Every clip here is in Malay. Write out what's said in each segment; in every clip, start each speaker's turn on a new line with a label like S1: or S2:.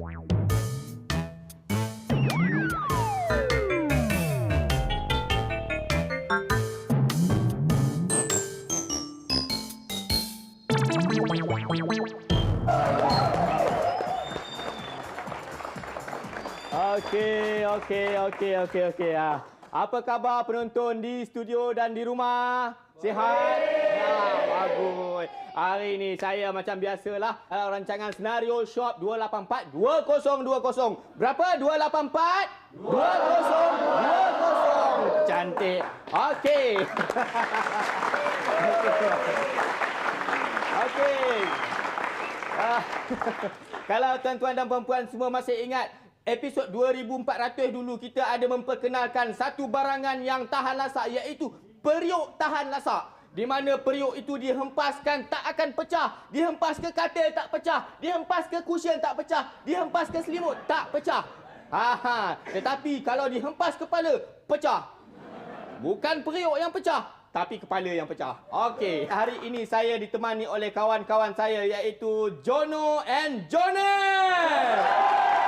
S1: Okey. Apa khabar penonton di studio dan di rumah? Sihat? Ya, bagus. Hari ini saya macam biasalah rancangan Senario Shop 284 2020. Berapa? 284 2020. Cantik. Okey. Okey. Kalau tuan-tuan dan puan-puan semua masih ingat episod 2400 dulu kita ada memperkenalkan satu barangan yang tahan lasak iaitu periuk tahan lasak. Di mana periuk itu dihempaskan tak akan pecah, dihempas ke katil tak pecah, dihempas ke cushion tak pecah, dihempas ke selimut tak pecah. Tetapi kalau dihempas kepala pecah. Bukan periuk yang pecah, tapi kepala yang pecah. Okey, hari ini saya ditemani oleh kawan-kawan saya iaitu Jono and Jonet.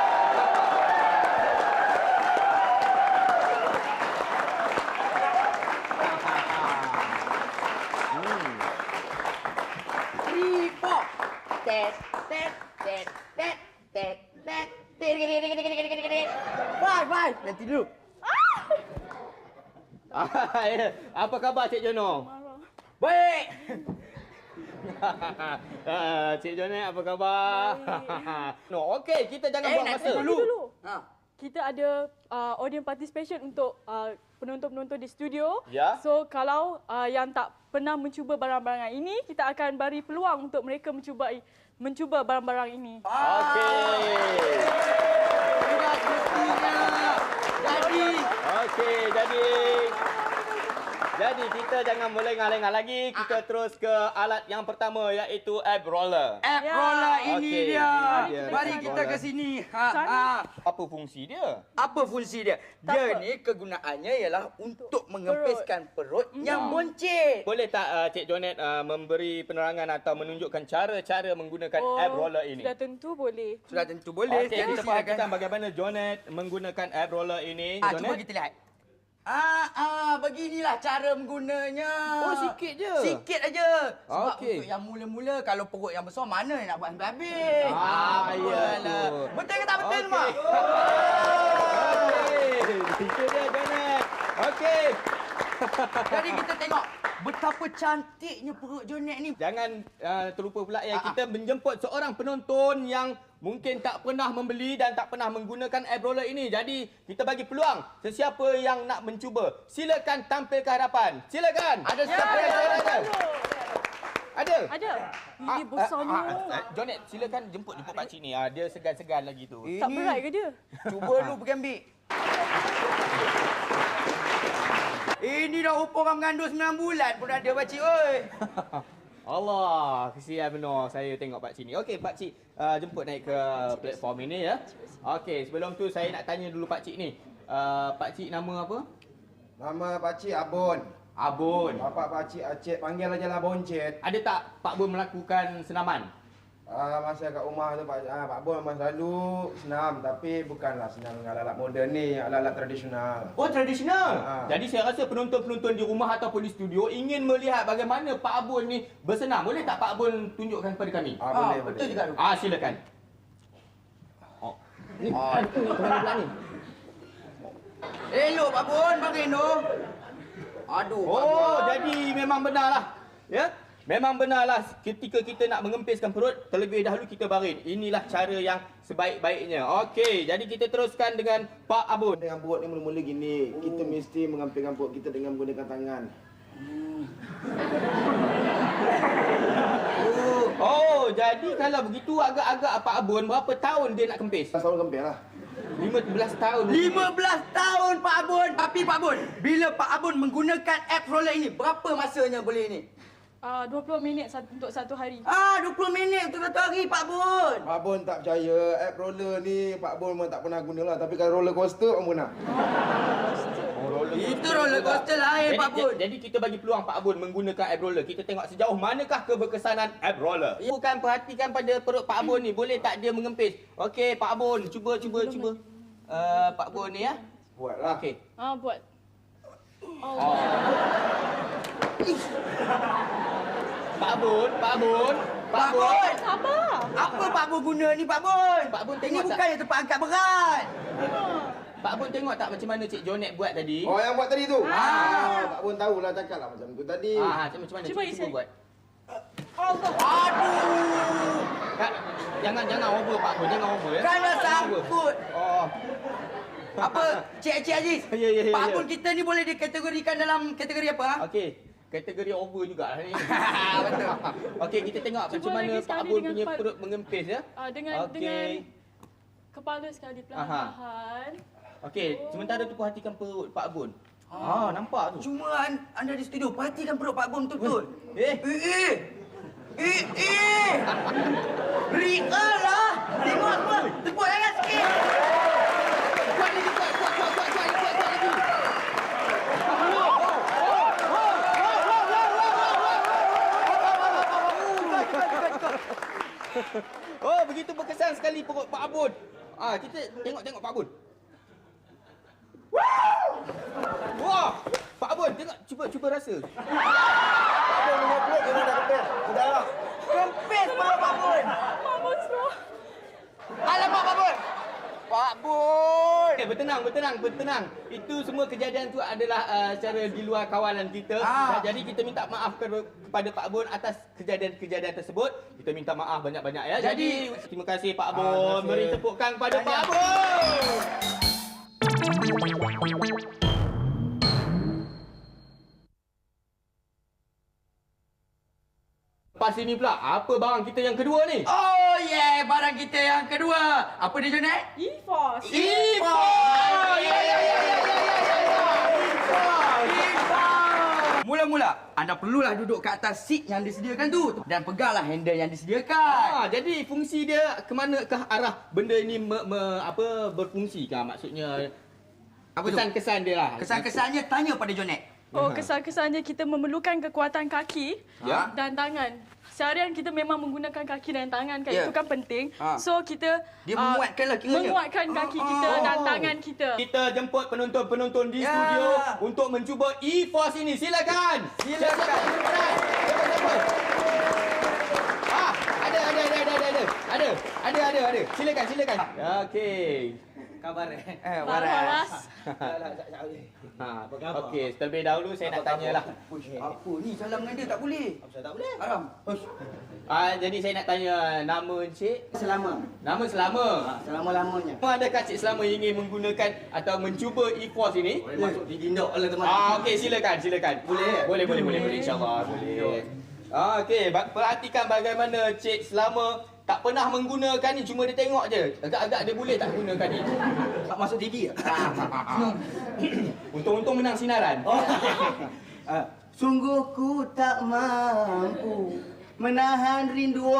S2: Five. Nanti dulu.
S1: Apa khabar Cik Jono?
S2: Baik.
S1: Cik Jonet apa khabar? No, okey, kita jangan buang masa.
S3: Dulu. Kita ada audience participation untuk penonton-penonton di studio.
S1: Ya.
S3: So kalau yang tak pernah mencuba barang-barang ini, kita akan beri peluang untuk mereka mencuba barang-barang ini.
S1: Okey.
S2: Sudah semestinya.
S1: Jadi kita jangan melengah-lengah lagi. Kita terus ke alat yang pertama iaitu ab roller.
S2: App roller ini
S1: Okey,
S2: dia.
S1: ini dia,
S2: Mari
S1: app
S2: kita
S1: roller.
S2: ke sini.
S1: Apa fungsi dia?
S2: Apa fungsi dia? Dia ni kegunaannya ialah untuk mengempiskan perut yang boncit.
S1: Boleh tak Cik Jonet memberi penerangan atau menunjukkan cara-cara menggunakan ab roller ini?
S3: Sudah tentu boleh.
S2: Sudah tentu boleh.
S1: Okey, kita perhatikan bagaimana Jonet menggunakan ab roller ini.
S2: Cuba kita lihat. Beginilah cara menggunanya.
S1: Oh, sikit je.
S2: Sikit aja. Sebab
S1: Okey.
S2: untuk yang mula-mula, kalau perut yang besar, mana nak buat habis-habis?
S1: Ya.
S2: Betul ke tak betul,
S1: Okey.
S2: Mak?
S1: Itu dia Jonet. Okey.
S2: Jadi kita tengok betapa cantiknya perut Jonet ni.
S1: Jangan terlupa pula kita menjemput seorang penonton yang mungkin tak pernah membeli dan tak pernah menggunakan ab roller ini. Jadi kita bagi peluang sesiapa yang nak mencuba. Silakan tampil ke hadapan. Silakan. Ada siapa yang ada? Ada?
S3: Ada. Ini besarnya.
S1: Jonet, silakan jemput pakcik ni. Dia segan-segan lagi tu.
S3: Tak berat ke dia?
S2: Cuba lu pergi ambil. Ini dah umur orang mengandung 9 bulan pun ada pakcik, oi.
S1: Allah, kesian benar saya tengok pakcik ni. Okey, pakcik jemput naik ke platform ini ya. Okey, sebelum tu saya nak tanya dulu pakcik ni. Pakcik nama apa?
S4: Nama pakcik Abun.
S1: Abun.
S4: Bapak pakcik Aceh panggil aja lah Boncet.
S1: Ada tak Pak Bun melakukan senaman?
S4: Masa kat rumah tu Pak Bun memang selalu senam, tapi bukanlah senam dengan alat moden ni, alat tradisional.
S1: Oh, tradisional. Jadi saya rasa penonton-penonton di rumah ataupun di studio ingin melihat bagaimana Pak Abun ni bersenam. Boleh tak Pak Abun tunjukkan kepada kami?
S4: Boleh.
S2: Betul juga tu.
S1: Silakan. Ni kemana pula ni?
S2: Elok Pak Bun, bagi tu. Aduh, Pak Bun.
S1: Oh, jadi memang benarlah. Ya? Memang benarlah ketika kita nak mengempiskan perut, terlebih dahulu kita baring. Inilah cara yang sebaik-baiknya. Okey, jadi kita teruskan dengan Pak Abun.
S4: Dengan perut ni mula-mula gini, kita mesti mengampilkan perut kita dengan menggunakan tangan.
S1: Oh, jadi kalau begitu agak-agak Pak Abun berapa tahun dia nak kempis?
S4: Selalu kempil lah.
S1: 15 tahun.
S2: 15 tahun Pak Abun. Tapi Pak Abun, bila Pak Abun menggunakan app roller ini, berapa masanya boleh ni?
S3: 20 minit untuk satu hari.
S2: 20 minit untuk satu hari, Pak Bun.
S4: Pak Bon tak percaya, app roller ni Pak Bon memang tak pernah guna lah. Tapi kalau roller coaster, Pak Bon nak.
S2: Itu roller coaster lain, Pak Bun.
S1: Jadi kita bagi peluang Pak Bun menggunakan app roller. Kita tengok sejauh manakah keberkesanan app roller. Bukan perhatikan pada perut Pak Bun ni. Boleh tak dia mengempis? Okey, Pak Bun. Cuba. Pak Bun ni ya.
S4: Buatlah.
S1: Okey.
S3: Buat.
S1: Pak Bun.
S2: Pak Bun.
S3: Sabar.
S2: Apa Pak Bun guna ni, Pak Bun?
S1: Pak Bun
S2: Ini
S1: tengok tak?
S2: bukannya tempat angkat berat.
S1: Pak Bun tengok tak macam mana Cik Jonet buat tadi?
S4: Oh, yang buat tadi tu? Pak Bon tahulah cakap lah macam tu tadi.
S1: Macam mana?
S3: Cuba
S1: Cuba
S3: isi.
S1: buat.
S2: Aduh.
S1: Kak, jangan over Pak Bun, jangan over ya.
S2: Kan dah
S1: Jangan over.
S2: sangkut.
S1: Oh.
S2: Apa? Cik Aziz.
S1: Ya.
S2: Pak Bun kita ni boleh dikategorikan dalam kategori apa?
S1: Okey, kategori over jugalah ni.
S2: Betul.
S1: Okey, kita tengok
S3: Cuba
S1: macam mana
S3: lagi
S1: Pak
S3: sekali
S1: Bun
S3: dengan
S1: punya
S3: kepala.
S1: perut mengempis ya.
S3: Dengan kepala sekali perlahan-lahan.
S1: Okey, sementara tu perhatikan perut Pak Bun. Nampak tu.
S2: Cuma anda di studio perhatikan perut Pak Bun betul-betul.
S1: Eh.
S2: Real lah. Tengok semua. Tepuk tangan sikit.
S1: Kuat lagi, kuat lagi. Oh, begitu berkesan sekali perut Pak Bun. Kita tengok Pak Bun. Wah! Pak Bun, tengok, cuba rasa.
S4: Pak Bon dengan perut dia dah kempes. Sudahlah.
S2: Kempis perut Pak Bun.
S3: Pak Bun slow.
S2: Alamak Pak Bun. Pak Bun.
S1: Okay, bertenang. Itu semua kejadian tu adalah secara di luar kawalan kita. Jadi kita minta maaf kepada Pak Bun atas kejadian-kejadian tersebut. Kita minta maaf banyak-banyak ya. Jadi terima kasih Pak Bun. Beri tepukan kepada Pak Bun. Lepas ini pula, apa barang kita yang kedua ni?
S2: Oh yeah, barang kita yang kedua. Apa dia Jonet?
S3: E-Force.
S1: E-Force! Ya.
S2: Mula-mula, anda perlulah duduk ke atas seat yang disediakan tu dan peganglah handle yang disediakan.
S1: Jadi fungsi dia ke manakah arah benda ini berfungsi kah? Maksudnya
S2: Apa tu?
S1: kesan-kesan dia lah.
S2: Kesan-kesannya tanya pada Jonet.
S3: Kesan-kesannya kita memerlukan kekuatan kaki
S2: Ya.
S3: dan tangan. Seharian kita memang menggunakan kaki dan tangan kan,
S2: Ya.
S3: itu kan penting.
S2: Ha.
S3: So kita
S2: Dia menguatkanlah kiranya.
S3: menguatkan kaki kita dan tangan kita.
S1: Kita jemput penonton-penonton di
S2: Ya.
S1: studio untuk mencuba E-Force ini. Silakan.
S2: Silakan.
S1: Ada. Silakan. Okey.
S2: Khabar
S3: Waras.
S1: Okey, terlebih dahulu saya nak tanyalah.
S2: Apa ni salam dengan dia tak boleh. Apa tak boleh? Haram.
S1: Jadi saya nak tanya nama Encik.
S5: Selama.
S1: Nama selama.
S5: Selama-lamanya.
S1: Adakah Cik Selama ingin menggunakan atau mencuba E-Force ini?
S5: Boleh masuk digindok oleh teman.
S1: Okey, silakan.
S5: Boleh?
S1: Boleh. InsyaAllah boleh. Okey, perhatikan bagaimana Cik Selama tak pernah menggunakan ni, cuma dia tengok je. Agak-agak dia boleh tak gunakan ni.
S5: Tak masuk TV ke?
S1: Untung-untung menang sinaran.
S5: Sungguh ku tak mampu menahan rindu.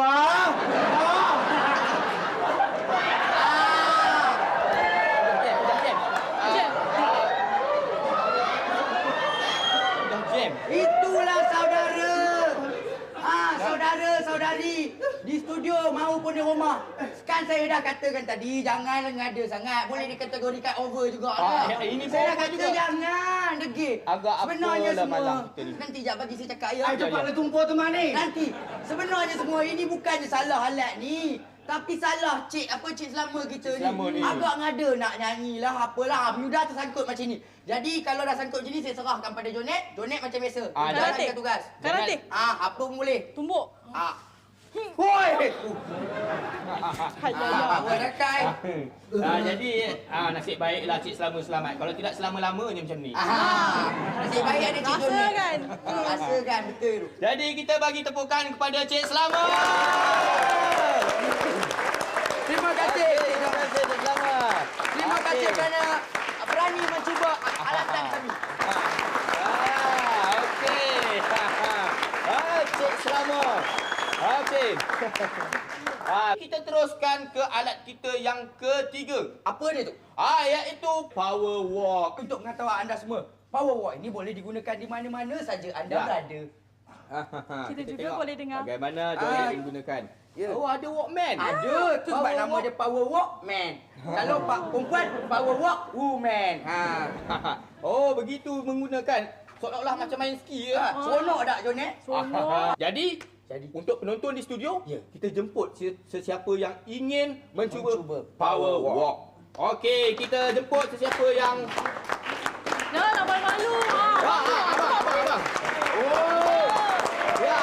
S1: Jam.
S5: Itulah saudara. Saudara-saudari di studio maupun di rumah. Kan saya dah katakan tadi, jangan ngada sangat. Boleh dikategorikan over juga.
S1: Ini
S5: Saya dah
S1: over
S5: kata
S1: juga.
S5: jangan degil.
S1: Agak
S5: Sebenarnya
S1: apalah
S5: semua.
S1: malam kita ni.
S5: Nanti jap bagi saya cakap ya.
S1: cepatlah
S5: tumpah tu mana? Nanti. Sebenarnya semua ini bukannya salah halat ni. Tapi salah Cik Selama kita
S1: Cik Selama ni.
S5: Agak ngada nak nyanyi lah apalah. You dah tersangkut macam ni. Jadi kalau dah sangkut macam ni, saya serahkan pada Jonet. Jonet macam biasa.
S3: Karate.
S5: Jalankan tugas.
S3: Karate.
S5: Apa pun boleh.
S3: Tumbuk.
S5: Hoi!
S2: Apa rakai?
S1: Jadi nasib baiklah Cik Selama selamat. Kalau tidak selama-lamanya macam ni.
S5: Nasib baik ada Cik
S3: Rasa
S5: Jonet.
S3: kan?
S5: Rasa kan, betul.
S1: Jadi kita bagi tepukan kepada Cik Selama.
S2: Terima kasih.
S1: Terima kasih Cik Selama.
S2: Terima kasih kerana berani mencuba alatan kami.
S1: Okey. Kita teruskan ke alat kita yang ketiga.
S2: Apa dia tu?
S1: Iaitu power walk.
S2: Untuk pengetahuan anda semua, power walk ini boleh digunakan di mana-mana saja anda
S1: Ya.
S2: berada.
S3: Kita juga
S1: tengok
S3: boleh dengar.
S1: bagaimana dia menggunakan.
S2: Ya.
S1: Oh, ada walkman.
S2: Ada, tu sebab
S1: Power
S2: nama
S1: walk.
S2: dia power walk man. Kalau pak perempuan, power walk woman.
S1: Oh, begitu menggunakan. Seolah-olah macam main ski ya.
S2: Seronok tak Jon
S3: Seronok.
S1: Jadi,
S2: Jadi.
S1: untuk penonton di studio,
S2: Ya.
S1: kita jemput sesiapa yang ingin mencuba
S2: Mencuba
S1: power
S2: power walk.
S1: walk. Okey, kita jemput sesiapa yang
S3: Jangan nak malu.
S1: abang. Oh. Ya.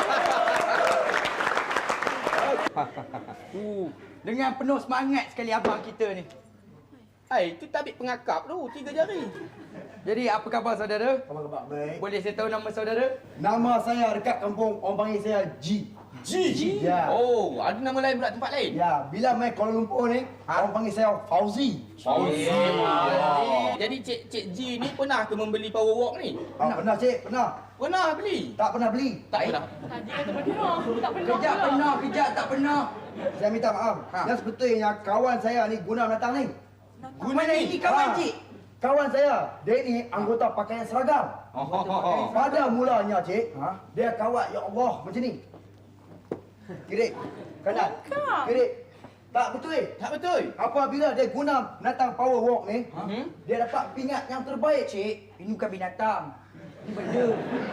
S2: Dengan penuh semangat sekali abang kita ni.
S1: Itu tabik pengakap tu, 3 jari.
S2: Jadi apa khabar saudara?
S6: Khabar baik.
S2: Boleh saya tahu nama saudara?
S6: Nama saya dekat kampung, orang panggil saya G.
S1: G.
S6: Ya.
S1: Oh, ada nama lain pula tempat lain?
S6: Ya, bila main Kuala Lumpur ni, orang panggil saya Fauzi.
S1: Fauzi. Jadi Cik G ni pernah ke membeli power walk ni?
S6: Pernah cik, pernah.
S1: Pernah beli?
S6: Tak pernah beli.
S1: Tak pernah.
S3: Tadi kata pernah. Tak pernah
S2: Kejap
S3: pula.
S2: pernah, kejap tak pernah.
S6: Saya minta maaf. Yang sebetulnya kawan saya ni guna datang ni.
S2: Mana ini kawan cik?
S6: Kawan saya, dia ni anggota pakaian seragam. Pada mulanya cik, dia kawat ya Allah macam ni. Kiri, kanan. Kiri. Tak betul.
S1: Tak betul.
S6: Apabila dia guna binatang power walk ni, dia dapat pingat yang terbaik.
S2: Cik, ini bukan binatang. Ini benda.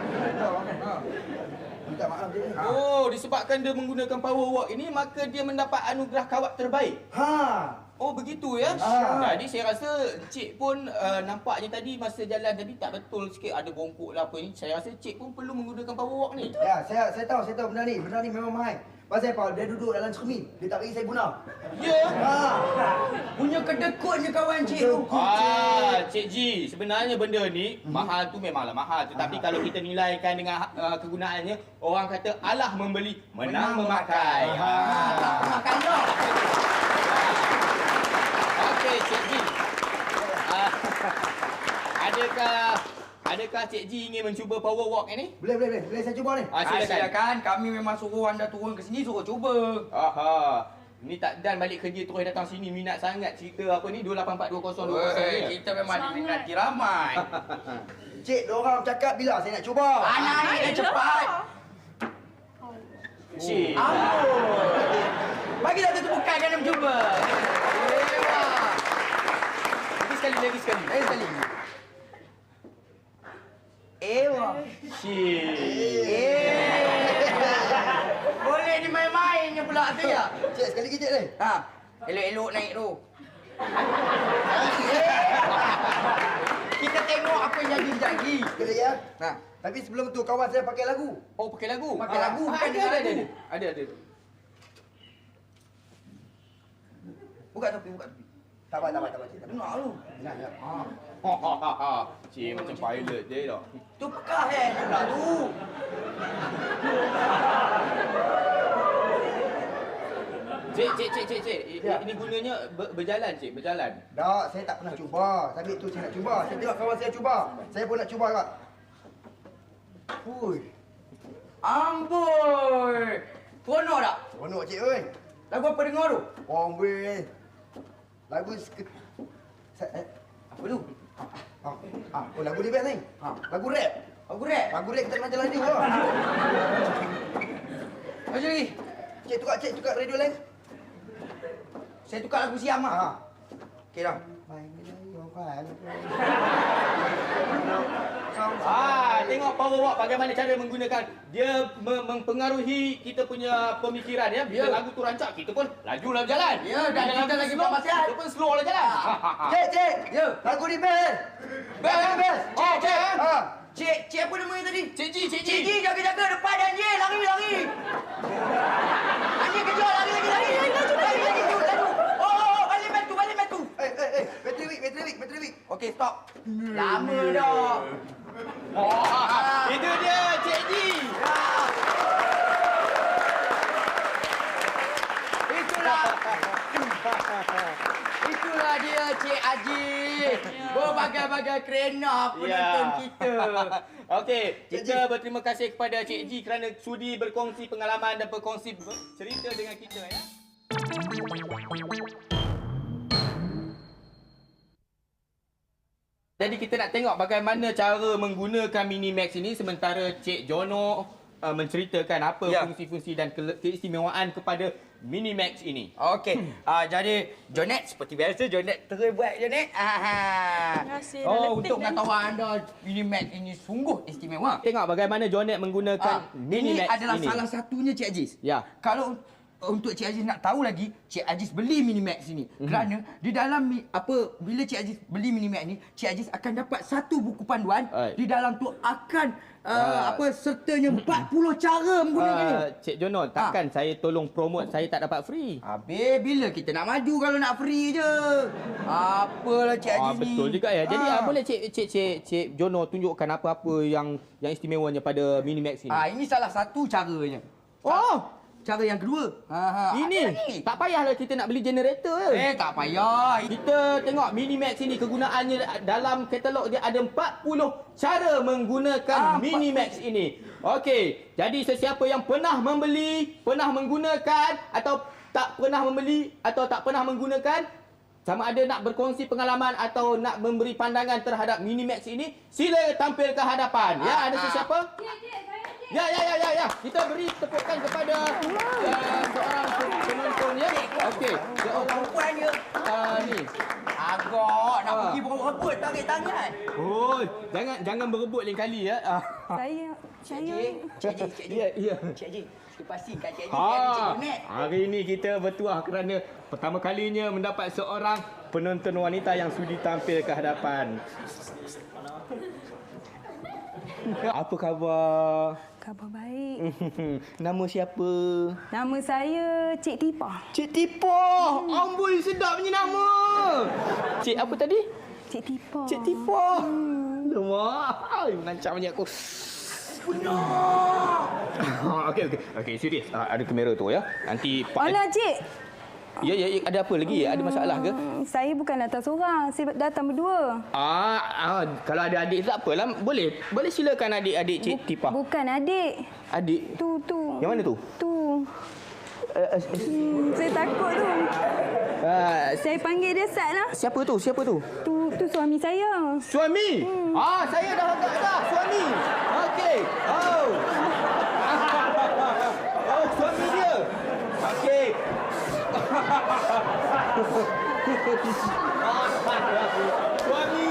S6: Minta maaf cik.
S1: Oh, disebabkan dia menggunakan power walk ini, maka dia mendapat anugerah kawat terbaik. Oh, begitu ya? Jadi saya rasa Cik pun nampaknya tadi masa jalan tadi tak betul sikit, ada bongkok lah apa ni. Saya rasa Cik pun perlu menggunakan power walk ni.
S6: Ya, saya tahu benda ni memang mahal. Pasal apa? Dia duduk dalam cermin. Dia tak bagi saya guna.
S1: Ya.
S2: Punya kedekutnya kawan cik tu.
S1: Cik G, sebenarnya benda ni mahal tu memanglah mahal. Tetapi kalau kita nilaikan dengan kegunaannya, orang kata alah membeli, menang memakai.
S2: Tak makan dah.
S1: Okey, Cik G. Adakah Cik G ingin mencuba power walk ini?
S6: Boleh saya cuba ni.
S1: Silakan.
S2: Silakan, kami memang suruh anda turun ke sini, suruh cuba.
S1: Ni tak dan balik kerja terus datang sini minat sangat cerita apa ni 2842020 ni.
S2: Kita memang diminati ramai.
S6: Cik, diorang cakap bila saya nak cuba.
S2: Anak ni dah cepat.
S1: Cik.
S2: Bagi satu tepukan kan dia mencuba.
S1: Lagi sekali.
S2: Lagi sekali. Ewa.
S1: Cik.
S2: Boleh dimain-mainnya pula tu ya.
S6: Cik, sekali lagi cik ni.
S2: Elok-elok naik tu. Kita tengok apa yang jadi sekejap lagi.
S6: Sekali ya. Tapi sebelum tu kawan saya pakai lagu.
S1: Oh, pakai lagu?
S2: Pakai lagu, bukan dengar lagu.
S1: Ada.
S2: Buka topi.
S6: Tak apa cik. Tak
S2: Nak lu.
S6: Nak.
S1: Cik macam pilot je dah.
S2: Tu pekah pula tu.
S1: Cik. Ini gunanya berjalan, Cik, berjalan.
S6: Tak, saya tak pernah cuba. Tapi tu saya nak cuba. Saya tengok kawan saya cuba. Saya pun nak cuba juga. Hui.
S2: Amboi. Seronok tak?
S6: Seronok cik oi.
S2: Lagu apa dengar tu?
S6: Orang weh. Lagu
S2: Apa tu?
S6: Oh lagu dia best ni. Lagu rap.
S2: Lagu rap?
S6: Lagu rap kita macam radio lah.
S2: Macam lagi?
S6: Cik tukar radio lain.
S2: Saya tukar lagu Siam lah. Okey dah.
S1: Tengok power walk bagaimana cara menggunakan. Dia mempengaruhi kita punya pemikiran ya. Bila lagu tu rancak, kita pun lajulah berjalan.
S2: Ya, dan kita lagi
S1: slow,
S2: bermaksiat.
S1: kita pun slow lah jalan.
S6: Cik.
S2: Ya.
S6: Lagu ni best. Best.
S2: Cik apa namanya tadi?
S1: Cik G.
S2: Cik Ji, jaga-jaga depan anjing. Lari. Anjing kejar, lari. Laju. Oh, balik batu.
S6: Bateri weak.
S2: Okey, stop. Lama dah.
S1: Itu dia Cik G.
S2: Itulah
S5: Itulah dia Cik Haji. Berbagai-bagai kerana penonton kita.
S1: Okey, kita berterima kasih kepada Cik Ji kerana sudi berkongsi pengalaman dan berkongsi cerita dengan kita ya. Jadi kita nak tengok bagaimana cara menggunakan Minimax ini sementara Cik Jono menceritakan apa fungsi-fungsi dan keistimewaan kepada Minimax ini.
S5: Okey, jadi Jonet seperti biasa Jonet terus buat Jonet.
S3: Terima kasih. dah letih
S5: Untuk
S3: dah.
S5: pengetahuan anda Minimax ini sungguh istimewa.
S1: Tengok bagaimana Jonet menggunakan
S5: Ini
S1: Minimax
S5: adalah
S1: ini.
S5: salah satunya Cik Aziz.
S1: Ya.
S5: Kalau untuk Cik Aziz nak tahu lagi, Cik Aziz beli Minimax ini. Kerana di dalam bila Cik Aziz beli Minimax ni, Cik Aziz akan dapat satu buku panduan. Di dalam tu akan sertanya 40 cara menggunakannya.
S1: Cik Jono, takkan saya tolong promote saya tak dapat free?
S5: Habis bila kita nak maju kalau nak free je. Apalah Cik Aziz ni.
S1: Betul juga ya. Jadi boleh Cik Jono tunjukkan apa-apa yang istimewanya pada Minimax ini?
S5: Ini salah satu caranya.
S1: Oh,
S5: Cara yang kedua. Ada
S1: ini
S5: lagi.
S1: tak payahlah kita nak beli generator.
S5: Tak payah.
S1: Kita tengok Minimax ini kegunaannya dalam katalog dia ada 40 cara menggunakan Minimax ini. Okey, jadi sesiapa yang pernah membeli, pernah menggunakan atau tak pernah membeli atau tak pernah menggunakan, sama ada nak berkongsi pengalaman atau nak memberi pandangan terhadap Minimax ini, sila tampil ke hadapan. Ya, ada sesiapa? Ya. Kita beri tepukan kepada seorang penonton ya. Okey.
S5: Perempuan dia.
S1: Ni.
S5: Agak nak pergi berebut tarik tangan.
S1: Oh, jangan berebut lain kali ya.
S5: Cik Haji.
S1: Ya.
S5: Cik Haji, kita pastikan Cik Haji ada Cik Jonet.
S1: Hari ini kita bertuah kerana pertama kalinya mendapat seorang penonton wanita yang sudi tampil ke hadapan. Apa khabar?
S7: Khabar baik.
S1: Nama siapa?
S7: Nama saya Cik Tipa.
S1: Cik Tipa. Amboi, sedap punya nama. Cik apa tadi?
S7: Cik Tipa.
S1: Cik Tipa. Lemak. Mengancam punya aku. Benar. Okey, serius. Ada kamera tu ya. Nanti
S7: Alah, Cik.
S1: Ya, ada apa lagi? Ada masalah ke?
S7: Saya bukan datang seorang. Saya datang berdua.
S1: Kalau ada adik tak apalah. Boleh silakan adik-adik Cik Tipa.
S7: Bukan adik.
S1: Adik?
S7: Tu.
S1: Yang mana tu?
S7: Tu. Saya takut tu. Saya panggil dia Sat lah.
S1: Siapa tu?
S7: Tu suami saya.
S1: Suami? Saya dah agak dah. Suami. Okey. Oh, suami dia. Okey. Suami.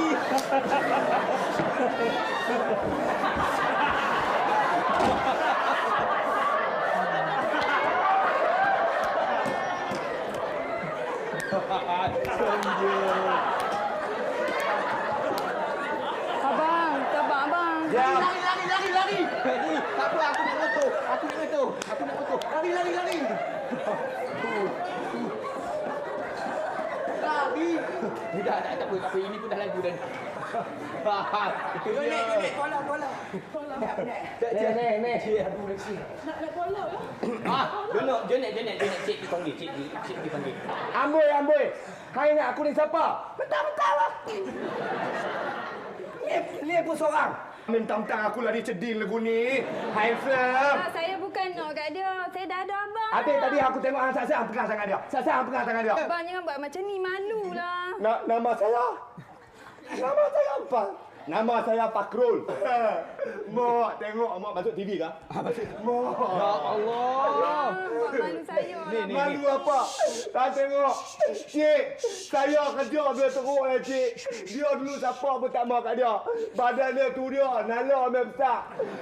S7: Abang, sabar abang.
S5: Lari.
S1: Tak apa, aku nak motor.
S5: Lari.
S1: Lari. Tak apa. Ini pun dah lagu dah. Itu dia.
S5: Jonet, tolong.
S1: Ni. Nak tolong ya? Jonet, cik dipanggil. Cik dipanggil.
S6: Amboi. Hai nak aku ni siapa?
S5: Betul lah.
S6: Ni pun seorang. Mentang-mentang aku lari ceding lagu ni. Handsome.
S7: Saya bukan nak kat dia. Saya dah ada abang.
S6: Habis tadi aku tengok Sat-Sat pegang tangan dia.
S7: Abang jangan buat macam ni. Malulah.
S6: Nama saya apa? Nama saya Fakrul. Mak, tengok mak masuk TV kah? Mak.
S1: Ya Allah.
S7: Buat malu saya.
S1: Ni.
S6: Malu apa? Tak tengok. Cik, saya kerja dia teruk cik. Dia dulu siapa pun tak mau kat dia. Badan dia tu dia, nala memang besar.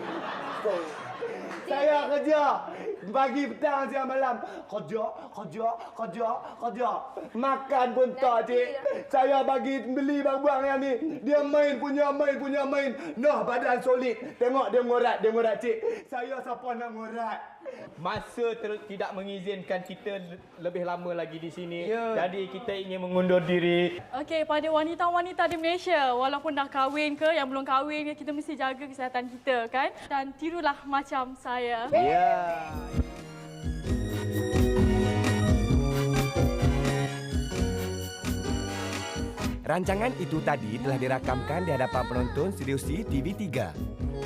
S6: Saya kerja. Pagi, petang, siang, malam. Kerja. Makan pun tak, cik. Saya bagi beli barang yang ni. Dia main punya. Noh, badan solid. Tengok dia ngorat, cik. Saya siapa nak ngorat?
S1: Masa tidak mengizinkan kita lebih lama lagi di sini. Jadi kita ingin mengundur diri.
S3: Okey, pada wanita-wanita di Malaysia, walaupun dah kahwin ke, yang belum kahwin ke, kita mesti jaga kesihatan kita kan. Dan tirulah macam saya.
S1: Ya.
S8: Rancangan itu tadi telah dirakamkan di hadapan penonton Studio C TV3.